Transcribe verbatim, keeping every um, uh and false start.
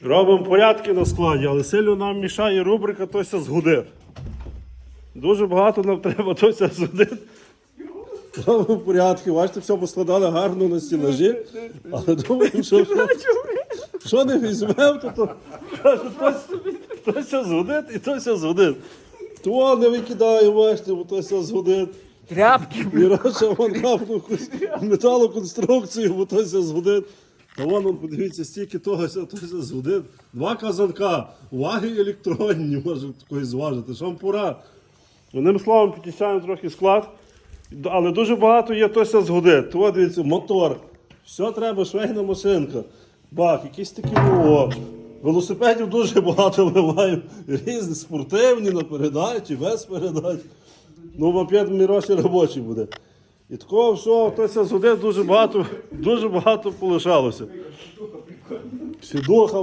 Робимо порядки на складі, але сильно нам мішає рубрика «Тося згудив». Дуже багато нам треба «Тося згудив». Робимо порядки, бачите, все поскладали гарно на стілажі, але думаємо, що, що, що не візьмемо, то, то каже, «Тося згудив» і «Тося згудив». То не викидаємо, бачите, бо «Тося згудив». Тряпки. І Раша вон капнув металоконструкцію, бо «Тося згудив». А вон, он, подивіться, стільки того, Тося згудив. Два казанка, ваги електронні, може такої зважити, шампура. Одним словом, підтічаємо трохи склад, але дуже багато є «Тося згудив». То, дивіться, мотор, все треба, швейна машинка, бак, якісь такі о. Велосипедів дуже багато вливаємо, різні, спортивні, на передачі, без передач. Ну, мопед Міроші робочий буде. І такого всього, «Тося згудив» дуже багато, дуже багато полишалося. Сідуха.